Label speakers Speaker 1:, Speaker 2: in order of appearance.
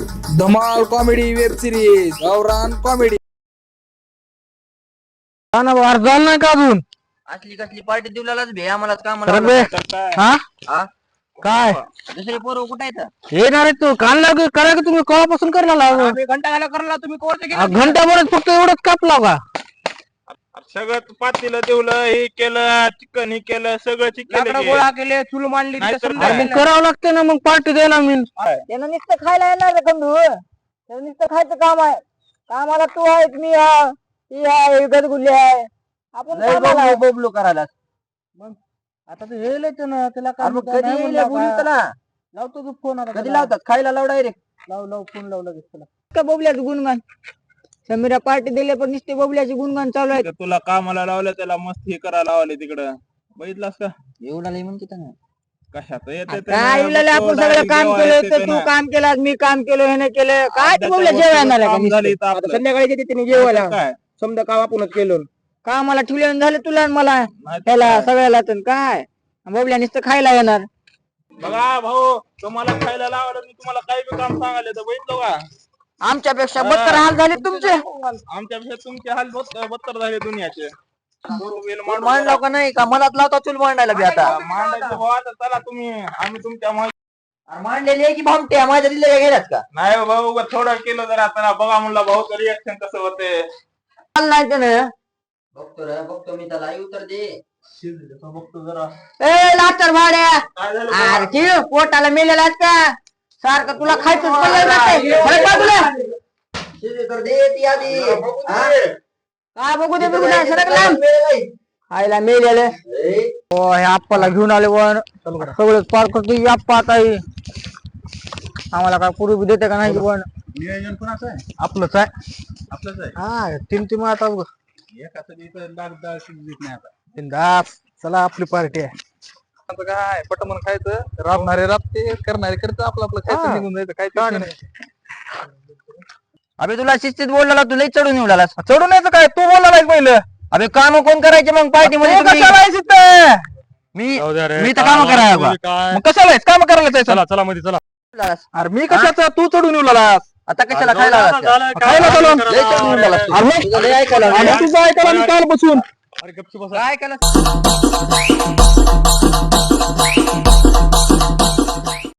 Speaker 1: धमाल comedy web series गावरान comedy.
Speaker 2: झालं नाही का अजून?
Speaker 3: असली कसली पार्टी दिवलाच भे आम्हालाच काम
Speaker 2: काय
Speaker 3: दुसरे पोरं कुठे आहेत?
Speaker 2: येणार तू काल लाग करा की तुम्ही कवापासून करायला
Speaker 3: घंटा घाला करला तुम्ही कोर्स
Speaker 2: घंट्याभरात फक्त एवढंच कापला का?
Speaker 4: सगळं पातीला देवलं हे केलं चिकन हे केलं सगळं चिकन
Speaker 3: गोळा केले चूल मांडली
Speaker 2: मग करावं लागतं ना मग पार्टी द्यायला मी.
Speaker 5: त्यानं नुसतं खायला येणार रे खंडू. त्यानं नुसतं खायचं काम आहे. कामाला तू आहेस, मी आहे, ती आहे, गदगुल्ली आहे. आपण कामाला आहे.
Speaker 3: बोबलो करायला
Speaker 2: आता ते येईल ना त्याला
Speaker 3: कधी येईल बोलू त्याला
Speaker 2: लावतो तू फोन आता
Speaker 3: कधी लावतात खायला लाव डायरेक्ट
Speaker 2: लाव फोन लावला त्याला.
Speaker 5: का बोबल्याचं गुणगान समीरा पार्टी दिले पण नुसते बोबल्याचे गुणगान चालू आहे.
Speaker 4: तुला कामाला लावलं त्याला मस्त हे करायला लावले तिकडं बघितलास का
Speaker 3: एवढा लई म्हणते ना
Speaker 4: कशात येते
Speaker 5: काय इलाला आपण सगळं काम केलं तर तू काम केलं मी काम केलं हे नाही केलं काय तू बोबल्या जेवायला आला का नुसतं?
Speaker 3: संध्याकाळी येते तिने जेवायला
Speaker 4: काय
Speaker 3: समजा काम आपणच केलं
Speaker 5: कामाला ठेवले झालं तुला आणि मला त्याला सगळ्याला तर काय बोबल्या नुसतं खायला येणार.
Speaker 4: बघा भाऊ तुम्हाला खायला लावलं मी तुम्हाला काही बी काम सांगायला तर बघितलं का
Speaker 5: आमच्यापेक्षा बत्तर हाल झाले तुमचे.
Speaker 4: आमच्यापेक्षा तुमचे हाल बत्तर झाले दुनियाचे
Speaker 3: मांडला का नाही का मनात लावता चूल मांडायला बी आता
Speaker 4: मांडायचं भाऊ आता चला तुम्ही आम्ही तुमच्या
Speaker 3: मांडलेली आहे की भामट्या माझ्या दिलेल्या गेल्यात का
Speaker 4: नाही हो भाऊ थोडं केलं जर आता बघा म्हणला भाऊ रिएक्शन कसं होते
Speaker 5: नाही तर नाही.
Speaker 3: बघतो मी त्याला उत्तर दे
Speaker 4: बघतो जरा
Speaker 5: ए लाटर भाड्या
Speaker 4: काय झालं
Speaker 5: अरे ठेव पोटाला मेलेला आहेस का सारखं तुला खायचं
Speaker 3: तर दे ती आधी
Speaker 5: काय बघू दे बघू दे सरक लांब आईला मेलेले हो हे आप्पाला घेऊन आले वन सगळं पार करतो आप्पा आता हे. आम्हाला काय पूर्वी देते का नाही पण
Speaker 4: नियोजन कोणाचं आहे
Speaker 2: आपलंच आहे
Speaker 4: आपलंच आहे
Speaker 2: हा तीन आता
Speaker 4: दास
Speaker 2: चला आपली पार्टी आहे.
Speaker 1: काय पटमन खायचं राबणारे राबते करणारे करतं आपलं आपलं खायचं निघून जायचं काय ते नाही.
Speaker 3: अबे तुला शिस्तीत बोलला तू लई चढून येऊ लागलास
Speaker 2: चढून यायचं काय तू बोलला पहिलं
Speaker 3: अबे काम कोण करायचे मग पार्टी मध्ये तुम्ही?
Speaker 2: कशाला आहेस इथं?
Speaker 3: मी तर काम करायला
Speaker 2: मग कशाला आहेस काम करायला जायचं?
Speaker 1: चला मध्ये चला
Speaker 2: अरे मी कशाचा तू चढून येऊ लागलास?
Speaker 3: आता कशाला खायला लागलास का?
Speaker 2: खायला चला.
Speaker 3: लई चढून येऊ लागलास तू.
Speaker 2: अरे मग-
Speaker 3: तुझं लई ऐकायला लागलं.
Speaker 2: अरे तुझं ऐकायला मी काल बसून
Speaker 1: अरे गपचूप बसा.
Speaker 3: काय ऐकायला